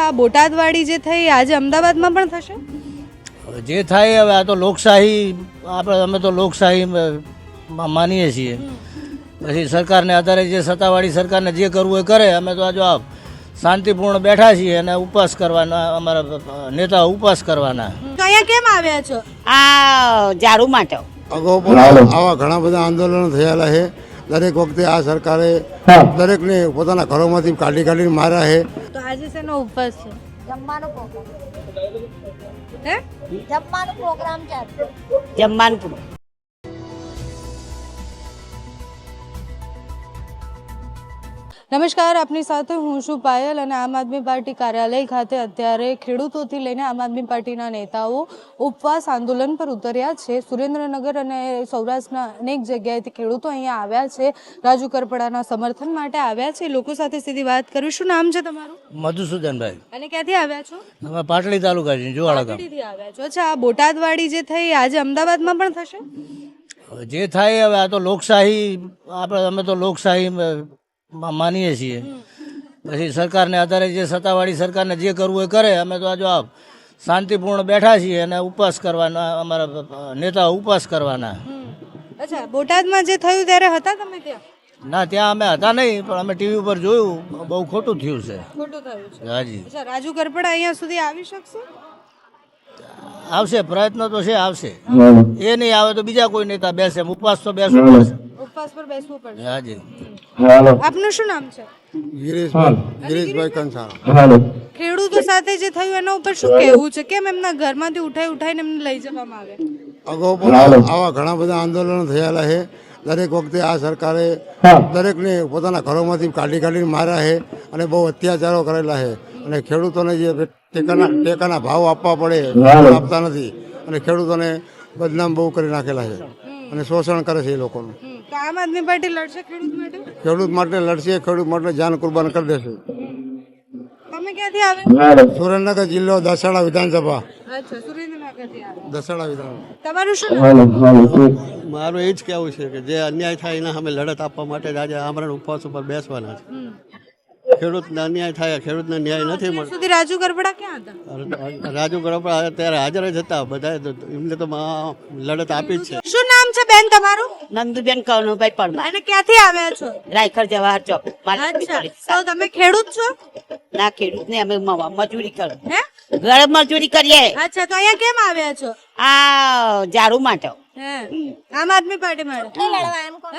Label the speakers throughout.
Speaker 1: આ બોટાદવાળી જે થઈ આજે અમદાવાદમાં પણ થશે?
Speaker 2: જે થાય હવે આ તો લોકશાહી અમે તો લોકશાહી માનીએ છીએ. પછી સરકારને આધારે જે સત્તાવાળી સરકારને જે કરવું એ કરે. અમે તો આ જો શાંતિપૂર્ણ બેઠા છીએ અને ઉપવાસ કરવાના, અમારા નેતાઓ ઉપવાસ કરવાના.
Speaker 1: તો અહીંયા કેમ આવ્યા છો?
Speaker 3: આ ઝાડુ માટે.
Speaker 4: અગાઉ પણ આવા ઘણા બધા આંદોલનો થયેલા છે. દરેક વખતે આ સરકારે દરેકને પોતાના ઘરોમાંથી કાઢીને માર્યા છે.
Speaker 1: તો આજે શેનો ઉપવાસ છે?
Speaker 5: જમવાનો પ્રોગ્રામ
Speaker 1: હે?
Speaker 5: જમવાનો પ્રોગ્રામ ચાલતો.
Speaker 3: જમવાનું પૂરું.
Speaker 1: નમસ્કાર, આપની સાથે હું છું પાયલ અને આમ આદમી પાર્ટી કાર્યાલય ખાતે અત્યારે ખેડૂતોથી લઈને આમ આદમી પાર્ટીના નેતાઓ ઉપવાસ આંદોલન પર ઉતર્યા છે. સુરેન્દ્રનગર અને સૌરાષ્ટ્રના અનેક જગ્યાએથી ખેડૂતો અહીંયા આવ્યા છે, રાજુ કરપડાના સમર્થન માટે આવ્યા છે. લોકો સાથે સીધી વાત કરું. શું નામ છે તમારું?
Speaker 2: મધુસૂદનભાઈ.
Speaker 1: અને ક્યાંથી આવ્યા છો?
Speaker 2: અમે પાટડી તાલુકા છીએ, જોવાળા ગામ.
Speaker 1: પાટડીથી આવ્યા છો. અચ્છા, આ બોટાદવાળી જે થઈ આજે અમદાવાદમાં પણ થશે?
Speaker 2: જે થાય હવે આ તો લોકશાહી અમે તો લોકશાહી માનીએ છીએ. પછી સરકારને આધારે જે સત્તાવાળી સરકારને જે કરવું એ કરે. અમે તો આ જો શાંતિપૂર્ણ બેઠા છીએ અને ઉપવાસ કરવાના, અમારા નેતાઓ ઉપવાસ કરવાના.
Speaker 1: અચ્છા, બોટાદમાં જે થયું ત્યારે હતા તમે ત્યાં?
Speaker 2: ના, ત્યાં અમે હતા નહીં, પણ અમે ટીવી ઉપર જોયું. બહુ ખોટું થયું છે.
Speaker 1: ખોટું થયું છે.
Speaker 2: હાજી.
Speaker 1: અચ્છા, રાજુ કરપડા અહીંયા સુધી આવી શકશે?
Speaker 2: આવશે, પ્રયત્ન તો છે, આવશે. એ નહીં આવે તો બીજા કોઈ નેતા બેસે. ઉપવાસ તો બેસવું પડશે.
Speaker 1: ઉપવાસ પર બેસવું પડશે.
Speaker 2: હાજી.
Speaker 1: આપનું શું નામ છે?
Speaker 4: ગિરીશભાઈ કંસારા.
Speaker 1: ખેડૂતો સાથે જે થયું એના ઉપર શું કહેવું છે? કેમ એમના ઘરમાંથી ઉઠાઈને એમને લઈ જવામાં આવે?
Speaker 4: અગાઉ પણ આવા ઘણા બધા આંદોલનો થયેલા છે. દરેક વખતે આ સરકારે દરેકને પોતાના ઘરોમાંથી કાઢીને માર્યા છે અને બહુ અત્યાચારો કરેલા છે. અને ખેડૂતોને જે ટેકાના ભાવ આપવા પડે આપતા નથી અને ખેડૂતોને બદનામ બહુ કરી નાખેલા છે અને શોષણ કરે છે એ લોકોનું.
Speaker 1: તો આમ આદમી પાર્ટી લડશે ખેડૂત માટે?
Speaker 4: ખેડૂત માટે લડશે, ખેડૂત માટે જાન કુરબાન કરી દેશે.
Speaker 1: તમે ક્યાંથી આવ્યા?
Speaker 4: સુરેન્દ્રનગર જિલ્લો દસાડા વિધાનસભા.
Speaker 1: અચ્છા, સુરેન્દ્રનગરથી આવ્યા.
Speaker 4: દસાડા વિધાનસભા.
Speaker 1: તમારું શું નામ?
Speaker 6: મારું એ જ કહેવું છે કે જે અન્યાય થાય એના સામે લડત આપવા માટે જ આજે આમરણ ઉપવાસ ઉપર બેસવાના છે. ખેડૂતને અન્યાય થાય, ખેડૂતને ન્યાય નથી મળતો.
Speaker 1: સુધી રાજુ કરપડા ક્યાં હતા?
Speaker 6: રાજુ ગરપડા અત્યારે હાજર જ હતા. બધા એમને તો લડત આપી જ છે.
Speaker 1: શું નામ છે બેન તમારું?
Speaker 3: નંદુબેન કનુભાઈ પરમાર.
Speaker 1: અને ક્યાંથી આવ્યા છો?
Speaker 3: રાયખર જવાહર ચોક.
Speaker 1: અચ્છા, તો તમે ખેડૂત છો?
Speaker 3: ના, ખેડૂત ને અમે મજૂરી કરો.
Speaker 1: હે?
Speaker 3: ઘર મજૂરી કરીએ.
Speaker 1: અચ્છા, તો અહીંયા કેમ આવ્યા છો?
Speaker 3: આ ઝાડુ માટે.
Speaker 1: હે, આમ આદમી પાર્ટી માટે
Speaker 5: લડવા એમ કોણ?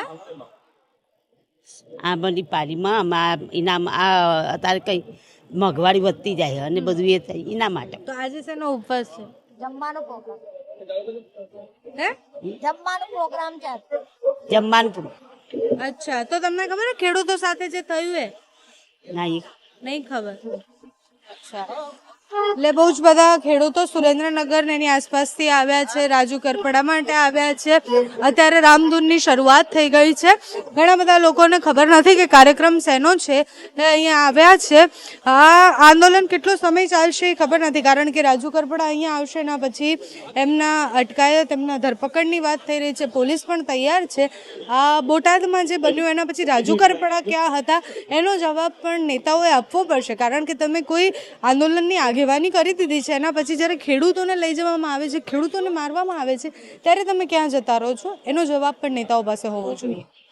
Speaker 3: આ બધી પારીમાં ઇનામ આ અત્યારે કઈ મોંઘવારી વધતી જાય અને બધું એ થાય એના માટે.
Speaker 1: તો આજે શેનો ઉપવાસ છે?
Speaker 5: જમવાનો પ્રોગ્રામ
Speaker 1: હે?
Speaker 5: જમવાનો પ્રોગ્રામ ચાલતો.
Speaker 3: જમવાનું પૂરું.
Speaker 1: અચ્છા, તો તમને ખબર છે ખેડૂતો સાથે જે થયું એ?
Speaker 3: ના, એ
Speaker 1: નહીં ખબર. અચ્છા, એટલે બહુ જ બધા ખેડૂતો સુરેન્દ્રનગર ને એની આસપાસથી આવ્યા છે, રાજુ કરપડા માટે આવ્યા છે. અત્યારે રામધૂનની શરૂઆત થઈ ગઈ છે. ઘણા બધા લોકોને ખબર નથી કે કાર્યક્રમ શેનો છે, અહીંયા આવ્યા છે. આ આંદોલન કેટલો સમય ચાલશે એ ખબર નથી, કારણ કે રાજુ કરપડા અહીંયા આવશે એના પછી એમના અટકાયત, એમના ધરપકડની વાત થઈ રહી છે. પોલીસ પણ તૈયાર છે. આ બોટાદમાં જે બન્યું એના પછી રાજુ કરપડા ક્યાં હતા એનો જવાબ પણ નેતાઓએ આપવો પડશે, કારણ કે તમે કોઈ આંદોલનની આગેવાની કરી દીધી છે, એના પછી જ્યારે ખેડૂતોને લઈ જવામાં આવે છે, ખેડૂતોને મારવામાં આવે છે, ત્યારે તમે ક્યાં જતા રહો છો એનો જવાબ પણ નેતાઓ પાસે હોવો જોઈએ.